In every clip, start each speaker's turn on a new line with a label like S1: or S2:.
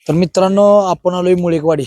S1: तर मित्रांनो आपण आलोय मुळेकवाडी.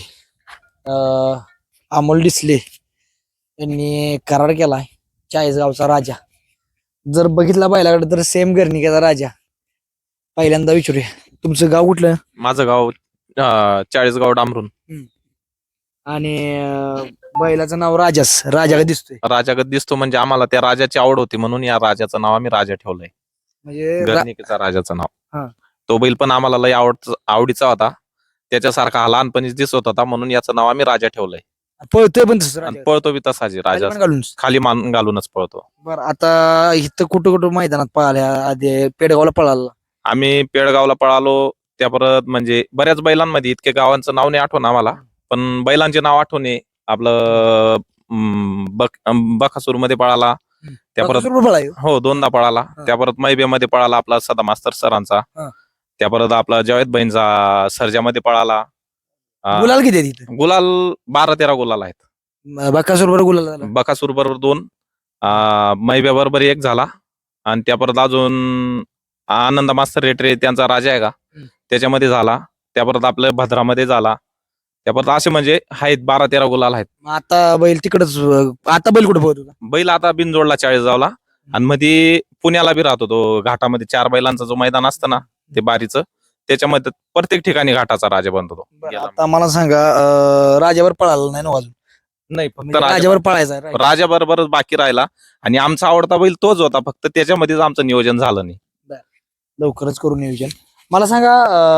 S1: अमोल डिसले यांनी करार केलाय चाळीसगावचा राजा. जर बघितला बैलाकडे तर सेम गर्णिकेचा राजा. पहिल्यांदा विचारूया तुमचं गाव कुठलं
S2: माझं गाव चाळीसगाव डांबरून.
S1: आणि बैलाचं नाव राजाच राजा का दिसतोय
S2: राजागत दिसतो म्हणजे आम्हाला त्या राजाची आवड होती म्हणून या राजाचं नाव आम्ही राजा ठेवलंय.
S1: म्हणजे
S2: गर्णिकेचा राजाचं
S1: हा.
S2: नाव. तो बैल पण आम्हाला लय आवडीचा होता. त्याच्यासारखा हा लहानपणीच दिसत होता म्हणून याचं नाव आम्ही राजा ठेवलंय.
S1: पळतोय पण तसं
S2: आणि
S1: राजा.
S2: पळतो बी तसाची राजा
S1: खाली पण घालून.
S2: खाली मान घालूनच पळतो.
S1: बरं आता इथं कुठं कुठं मैदानात पळाल्या आधी पेडगावला पळाला.
S2: आम्ही पेडगावला पळालो. त्या परत म्हणजे बऱ्याच बैलांमध्ये इतके गावांचं नाव नाही आठवण आम्हाला, पण बैलांचे नाव आठवणे आपलं बकासूर मध्ये पळाला. त्या परत हो 2दा पळाला. त्या परत मैबेमध्ये पळाला आपला सदा मास्तर सरांचा. त्या परत आपला जावेद बहिणचा सर्जामध्ये पळाला.
S1: गुलाल किती आहे तिथं?
S2: गुलाल 12-13 गुलाल आहेत.
S1: बकासूर बरोबर गुलाल झाला.
S2: बकासूर बरोबर 2, मैब्या बरोबर 1 झाला. आणि त्या परत अजून आनंद मास्तर रेटरे त्यांचा राजा आहे का त्याच्यामध्ये झाला. त्या परत आपल्या भद्रामध्ये झाला. त्या परत असे म्हणजे आहेत 12-13 गुलाल आहेत.
S1: आता बैल तिकडच. आता बैल कुठे पोहतो?
S2: बैल आता बिनजोडला चाळीसगावला. आणि मध्ये पुण्याला बी राहतो तो घाटामध्ये 4 बैलांचा जो मैदान असतं ना ते बारीचं, त्याच्यामध्ये प्रत्येक ठिकाणी घाटाचा राजा बनतो तो.
S1: आता मला सांगा राजावर पळाला नाही ना अजून?
S2: नाही फक्त
S1: म्हणजे राजावर पळायचा आहे.
S2: राजा बरोबरच बाकी राहिला. आणि आमचा आवडता बैल तोच होता, फक्त त्याच्यामध्येच आमचं नियोजन झालं नाही.
S1: लवकरच करू नियोजन. मला सांगा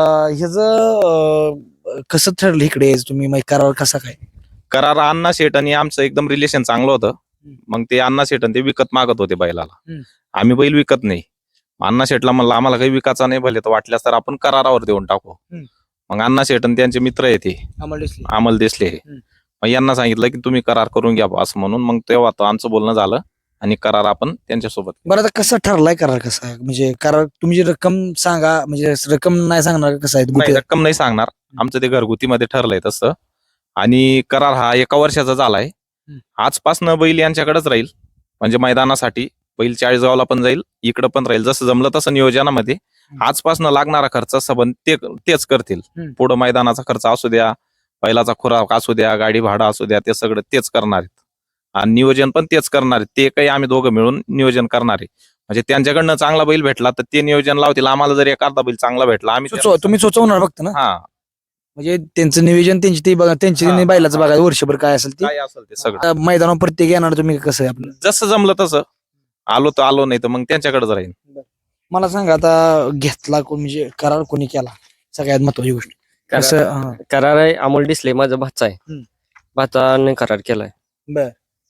S1: ह्याच कसं ठरलं इकडे यायचं तुम्ही करार कसा काय?
S2: करार अण्णा शेठ आणि आमचं एकदम रिलेशन चांगलं होतं. मग ते अण्णा शेठ ते विकत मागत होते बैलाला. आम्ही बैल विकत नाही. अण्णा शेठला म्हणलं आम्हाला काही विकायचा नाही, भले तर वाटल्यास तर आपण करारावर देऊन टाकू. मग अण्णा शेठ आणि त्यांचे मित्र येते अमल देसले. मग यांना सांगितलं की तुम्ही करार करून घ्या असं म्हणून. मग तेव्हा तो आमचं बोलणं झालं आणि करार आपण त्यांच्यासोबत.
S1: बरं आता कसं ठरलाय करार कसा आहे? म्हणजे करार तुम्ही जी रक्कम सांगा, म्हणजे रक्कम नाही सांगणार कसं आहे?
S2: नाही रक्कम नाही सांगणार. आमचं ते घरगुतीमध्ये ठरलंय तसं. आणि करार हा 1 वर्षाचा झालाय. आजपासनं बैल यांच्याकडेच राहील. म्हणजे मैदानासाठी बैल चाळीसगावला पण जाईल, इकडं पण राहील. जसं जमलं तसं नियोजनामध्ये आजपासनं लागणारा खर्च संबंध तेच करतील. पुढं मैदानाचा खर्च असू द्या, बैलाचा खुराक असू द्या, गाडी भाडा असू द्या, ते सगळं तेच करणार आहेत. आणि नियोजन पण तेच करणार आहेत. ते काही आम्ही दोघं मिळून नियोजन करणार आहे. म्हणजे त्यांच्याकडनं चांगला बैल भेटला तर ते नियोजन लावतील. आम्हाला जर एखादा बैल चांगला भेटला आम्ही
S1: तुम्ही सुचवणार फक्त ना?
S2: हा
S1: म्हणजे त्यांचं नियोजन त्यांची ते बघा, त्यांची बैलाचं बघा वर्षभर काय असेल ते.
S2: काय असेल ते सगळं
S1: मैदानावर प्रत्येक येणार तुम्ही कसं आहे आपलं?
S2: जसं जमलं तसं. आलो तर आलो, नाही तर मग त्यांच्याकडेच राहील.
S1: मला सांगा आता घेतला कोण, म्हणजे करार कोणी केला सगळ्यात महत्वाची गोष्ट कसं?
S3: करार आहे अमोल डिसले माझा भाचा आहे. भाचाने करार केलाय.
S1: बर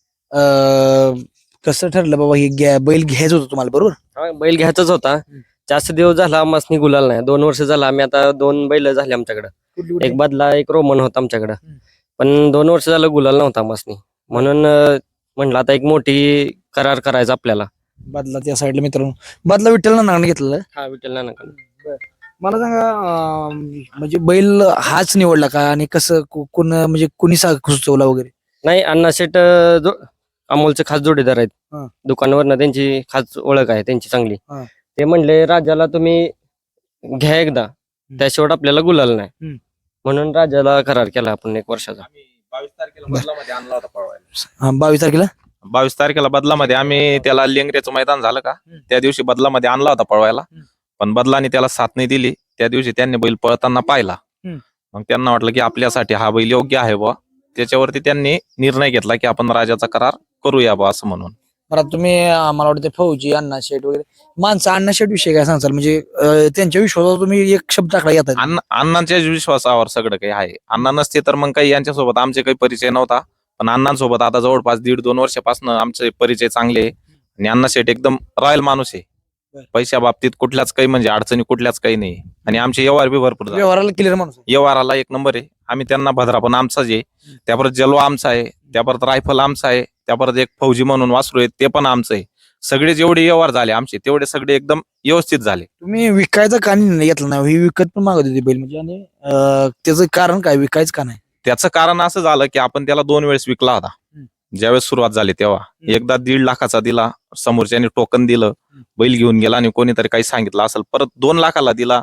S1: कसं ठरलं बाबा हे बैल घ्यायचं होतं तुम्हाला? बरोबर
S3: बैल घ्यायचाच होता. जास्त दिवस झाला आम्हाला गुलाल नाही. 2 वर्ष झाला आम्ही आता 2 बैल झाले आमच्याकडे. एक बदला एक रोमन होता आमच्याकडे. पण 2 वर्ष झालं गुलाल नव्हता आम्हाला. म्हणून म्हणलं आता एक मोठी करार करायचा आपल्याला.
S1: बदला त्या साईडला मित्रांनो, बदला विठ्ठल नानाने घेतलेला.
S3: हा विठ्ठल नाना.
S1: मला सांगा म्हणजे बैल हाच निवडला का? आणि कसं कोण म्हणजे कोणी सुचवला वगैरे?
S3: नाही अण्णा शेठ अमोलचे खास जोडीदार आहेत. दुकानावरनं त्यांची खास ओळख आहे त्यांची चांगली. ते म्हणले राजाला तुम्ही घ्या एकदा, त्याशिवाय आपल्याला गुलाल नाही. म्हणून राजाला करार केला आपण 1 वर्षाचा.
S2: 22 तारखेला बदलामध्ये आणला होता पळवायला.
S1: 22 तारखेला
S2: 22 तारखेला बदलामध्ये आम्ही त्याला लेंगऱ्याचं मैदान झालं का त्या दिवशी बदलामध्ये आणला होता पळवायला. पण बदलाने त्याला साथ नाही दिली. त्या दिवशी त्यांनी बैल पळताना पाहिला. मग त्यांना वाटलं की आपल्यासाठी हा बैल योग्य आहे बुवा. त्याच्यावरती त्यांनी निर्णय घेतला की आपण राजाचा करार करूया बुवा असं म्हणून.
S1: बरं तुम्ही मला वाटतं फौजी अण्णा शेठ वगैरे माणसं, अण्णा शेठ विषय काय सांगाल? म्हणजे त्यांच्या विश्वासावर तुम्ही एक शब्द टाकला येतात.
S2: अण्णांच्या विश्वासावर सगळं काही आहे. अण्णा नसते तर मग काही यांच्यासोबत आमचे काही परिचय नव्हता. पण अण्णांसोबत आता जवळपास 1.5-2 वर्षापासून आमचे परिचय चांगले आहे. आणि अण्णा शेठ एकदम रॉयल माणूस आहे. पैशा बाबतीत कुठल्याच काही म्हणजे अडचणी कुठल्याच काही नाही. आणि आमचे व्यवहार बी भरपूर
S1: व्यवहाराला क्लिअर माणूस,
S2: व्यवहाराला 1 नंबर आहे. आम्ही त्यांना भद्रा पण आमचाच आहे. त्या परत जलवा आमचा आहे. त्या परत रायफल आमचा आहे. त्या परत एक फौजी म्हणून वासरू आहे ते पण आमचं आहे. सगळे जेवढे व्यवहार झाले आमचे तेवढे सगळे एकदम व्यवस्थित झाले.
S1: तुम्ही विकायचं का नाही घेतलं नाही? ही विकत पण मागत होती बैल म्हणजे. आणि त्याचं कारण काय विकायचं का नाही?
S2: त्याचं कारण असं झालं की आपण त्याला 2 वेळेस विकला होता. ज्यावेळेस सुरुवात झाली तेव्हा एकदा 1.5 लाखाचा दिला, समोरच्याने टोकन दिलं, बैल घेऊन गेला आणि कोणीतरी काही सांगितलं असेल. परत 2 लाखाला दिला,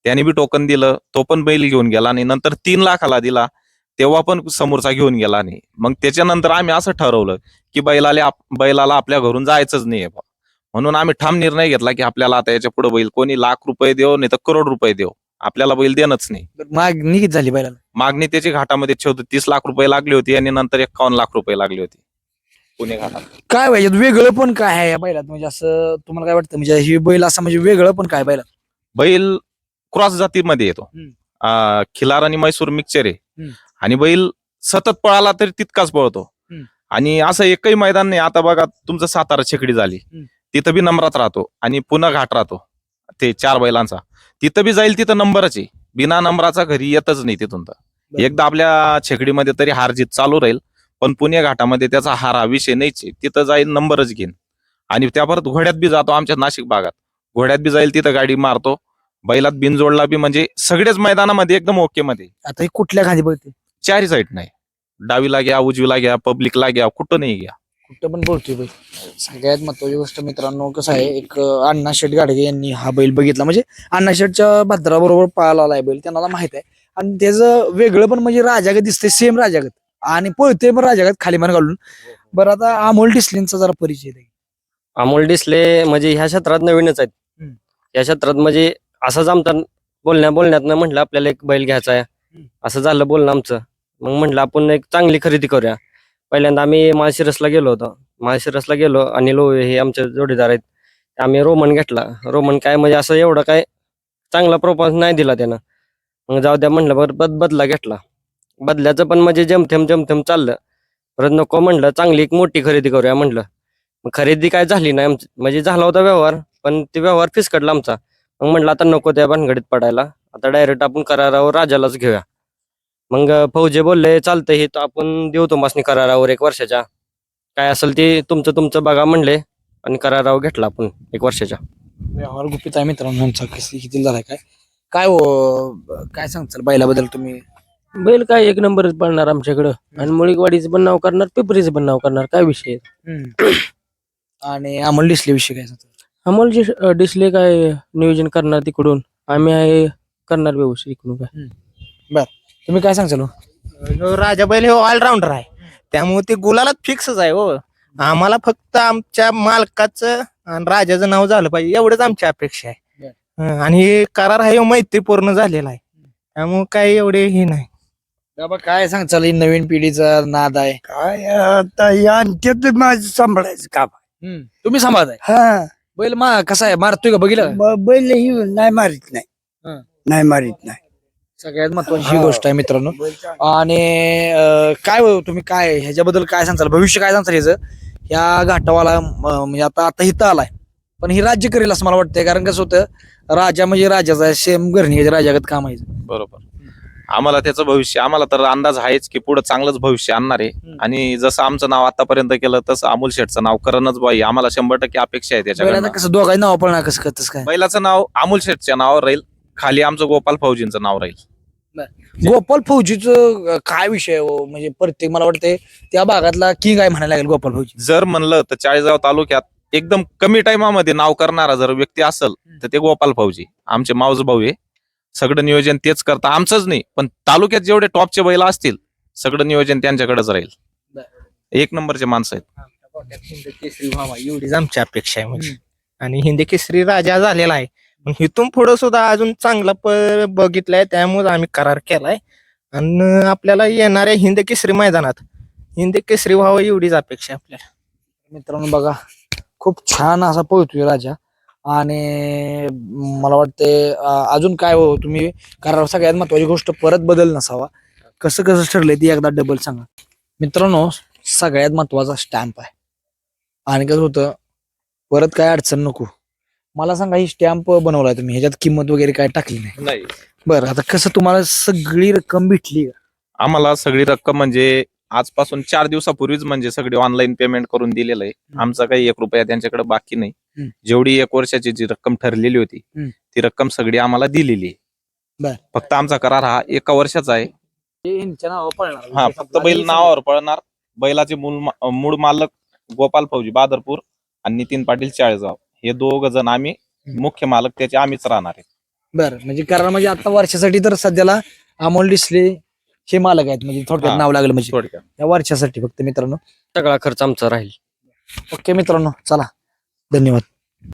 S2: त्याने बी टोकन दिलं, तो पण बैल घेऊन गेला आणि नंतर 3 लाखाला दिला, तेव्हा पण समोरचा घेऊन गेला नाही. मग त्याच्यानंतर आम्ही असं ठरवलं की बैलाला आपल्या घरून जायचंच नाहीये बा. म्हणून आम्ही ठाम निर्णय घेतला की आपल्याला आता याच्या पुढे बैल कोणी ₹1,00,000 देव नाही तर करोड रुपये देव, आपल्याला बैल देणंच नाही.
S1: बरं, मागणी किती झाली बैलाला?
S2: मागणी त्याची घाटामध्ये 30 लाख रुपये लागली होती आणि नंतर 51 लाख रुपये लागली होती पुणे घाटात.
S1: काय पाहिजे वेगळं पण काय आहे या बैलात, म्हणजे असं तुम्हाला काय वाटतं, म्हणजे ही बैल असं म्हणजे वेगळं पण काय बैलात?
S2: बैल क्रॉस जातीमध्ये येतो. खिलार आणि मैसूर मिक्सचर आहे आणि बैल सतत पळाला तरी तितकाच पळतो. आणि असं एकही मैदान नाही, आता बघा तुमचं सातारा छेकडी झाली, तिथं बी नंबरात राहतो आणि पुन्हा घाट राहतो ते 4 बैलांचा, तिथं बी जाईल, तिथं नंबरच आहे, बिना नंबराचा घरी येतच नाही तिथून. तर एकदा आपल्या छेकडीमध्ये तरी हार जीत चालू राहील, पण पुणे घाटामध्ये त्याचा हार हा विषय नाहीच आहे, तिथं जाईल नंबरच घेईन. आणि त्या परत घोड्यात बी जातो, आमच्या नाशिक भागात घोड्यात बी जाईल, तिथं गाडी मारतो, बैलात बिनजोडला बी, म्हणजे सगळेच मैदानामध्ये एकदम ओके मध्ये.
S1: आता ही कुठल्या खाली बघते?
S2: चारही साईड नाही, डावीला घ्या, उजवीला घ्या, पब्लिकला घ्या, कुठं नाही घ्या,
S1: कुठं पण बोलतोय बैल. सगळ्यात महत्वाची गोष्ट मित्रांनो कसं आहे, एक अण्णा शेठ गाडगे यांनी हा बैल बघितला, म्हणजे अण्णा शेठच्या भद्राबरोबर पळाला आलाय बैल, त्यांना माहित आहे. आणि त्याचं वेगळं पण म्हणजे राजागत दिसतंय, सेम राजागत, आणि पळतोय पण राजागत खाली मान घालून. बरं, आता अमोल डिसलेंचा जरा परिचय द्या.
S3: अमोल डिसले म्हणजे ह्या क्षेत्रात नवीनच आहेत. या क्षेत्रात म्हणजे असंच आमचा बोलण्यातनं म्हटलं आपल्याला एक बैल घ्यायचा आहे, असं झालं बोलणं आमचं. मग म्हटलं आपण एक चांगली खरेदी करूया. पहिल्यांदा आम्ही माळशिरसला गेलो होतो, आणि हे आमचे जोडीदार आहेत, आम्ही रोमन घेतला. रोमन काय म्हणजे असं एवढं काय चांगला प्रोपोज नाही दिला त्यानं. मग जाऊ द्या म्हटलं, बरं बदला घेतला. बदल्याचं पण म्हणजे जमथेम चाललं. परत नको म्हटलं, चांगली एक मोठी खरेदी करूया म्हटलं. मग खरेदी काय झाली नाही आमची, म्हणजे झाला होता व्यवहार, पण ते व्यवहार फिसकटला आमचा. मग म्हटलं आता नको त्या भानगडीत पडायला, आता डायरेक्ट आपण करारावर राजालाच घेऊया. मग फौजे बोलले चालतंय, हे तर आपण देऊ तुम्हाला करारावर 1 वर्षाच्या, काय असेल ते तुमचं बघा म्हणले, आणि करारावर घेतला आपण 1 वर्षाच्या.
S1: व्यवहार गुपित आहे मित्रांनो आमचा, किती झालाय काय काय हो, काय सांगताल बैलाबद्दल तुम्ही?
S4: बैल काय 1 नंबरच पडणार आमच्याकडं, आणि मुळीकवाडीचं पण नाव करणार, पिपरीचं पण नाव करणार, काय विषय आहे.
S1: आणि अमोल डिसले विषयी काय सांगताल?
S4: अमोल डिसले काय नियोजन करणार तिकडून, आम्ही आहे करणार व्यवस्थित इकडून. काय
S1: तुम्ही काय सांगताल?
S5: ह्यो राजा बैल हे ऑलराऊंडर आहे, त्यामुळे ते गुलालात फिक्सच आहे. हो, आम्हाला फक्त आमच्या मालकाचं आणि राजाचं नाव झालं पाहिजे, एवढंच आमची अपेक्षा आहे. आणि हे करार आहे मैत्रीपूर्ण झालेला आहे, त्यामुळे काही एवढे हे नाही.
S1: बाबा काय सांगताल, ही नवीन पिढीचा नाद आहे,
S6: काय आता या अंत्यात माझं सांभाळायचं काम आहे.
S1: तुम्ही सांभाळताय
S6: हा,
S1: बैल कसा आहे, मारतोय का बघितलं?
S6: बैल ही नाही मारित नाही,
S1: हं.
S6: नाही मारित नाही.
S1: सगळ्यात महत्वाची ही गोष्ट आहे मित्रांनो. आणि काय हो, तुम्ही काय ह्याच्याबद्दल काय सांगताल, भविष्य काय सांगताल ह्याचं? या घाटावाला म्हणजे आता इथं आलाय, पण ही राज्य करेल असं मला वाटतंय, कारण कसं होतं, राजा म्हणजे राजाचा आहे, सेम घरणी राजागत काम आहे.
S2: बरोबर. आम्हाला त्याचं भविष्य, आम्हाला तर अंदाज आहेच की पुढे चांगलंच भविष्य आणणार आहे. आणि जसं आमचं नाव आतापर्यंत केलं तसं अमोल शेठचं नाव करणच बाई, आम्हाला 100% अपेक्षा आहे त्याच्याकडे.
S1: कसं दोघांनी नाव पळणार, कसं करतस काय?
S2: बैलाचं नाव अमोल शेठच्या नावावर राहील, खाली आमचं गोपाल फौजींचं नाव राहील.
S1: गोपाल फौजीचं काय विषय आहे हो? म्हणजे प्रत्येक मला वाटतंय त्या भागातला किंग आहे म्हणायला लागेल गोपाल फौजी.
S2: जर म्हणलं तर चाळीसगाव तालुक्यात एकदम कमी टाइमामध्ये नाव करणारा जर व्यक्ती असेल तर ते गोपाल फौजी, आमचे मावस भाऊ आहे. सगळं नियोजन तेच करता, आमचंच नाही पण तालुक्यात जेवढे टॉपचे बैल असतील सगळं नियोजन त्यांच्याकडेच राहील. 1 नंबरचे माणसं आहेत.
S5: हिंद केसरी व्हावा एवढीच आमची अपेक्षा आहे म्हणजे. आणि हिंद केसरी राजा झालेला आहे, पण इथून पुढे सुद्धा अजून चांगला बघितलाय, त्यामुळे आम्ही करार केलाय. आणि आपल्याला येणाऱ्या हिंद केसरी मैदानात हिंद केसरी व्हावं एवढीच अपेक्षा आहे आपल्याला.
S1: मित्रांनो बघा, खूप छान असा पळतोय राजा. आणि मला वाटते अजून काय हो तुम्ही करार, सगळ्यात महत्वाची गोष्ट परत बदल नसावा, कसं ठरलंय ती एकदा डबल सांगा. मित्रांनो सगळ्यात महत्वाचा स्टॅम्प आहे, आणि कसं होतं परत काय अडचण नको. मला सांगा, ही स्टॅम्प बनवलाय तुम्ही, ह्याच्यात किंमत वगैरे काय टाकली नाही? बरं, आता कसं तुम्हाला सगळी रक्कम भेटली का?
S2: आम्हाला सगळी रक्कम म्हणजे आजपासून 4 दिवसापूर्वीच म्हणजे सगळी ऑनलाईन पेमेंट करून दिलेलं आहे. आमचा काही 1 रुपया त्यांच्याकडे बाकी नाही. जेवढी 1 वर्षाची जी रक्कम ठरलेली होती ती रक्कम सगळी आम्हाला दिलेली आहे. फक्त आमचा करार हा 1 वर्षाचा आहे. हा, फक्त बैल नावावर पळणार. बैलाचे मूळ मालक गोपाल फौजी बादरपूर आणि नितीन पाटील चाळीसगाव, हे 2 जण आम्ही मुख्य मालक त्याचे आम्हीच राहणार आहे.
S1: बरं म्हणजे करार म्हणजे आता वर्षासाठी तर सध्याला अमोल डिसले हे मालक आहेत म्हणजे थोडक्यात
S2: हा.
S1: नाव लागलं म्हणजे
S2: थोडक्यात
S1: या वर्षासाठी फक्त मित्रांनो.
S3: सगळा खर्च आमचा राहील.
S1: ओके मित्रांनो चला धन्यवाद.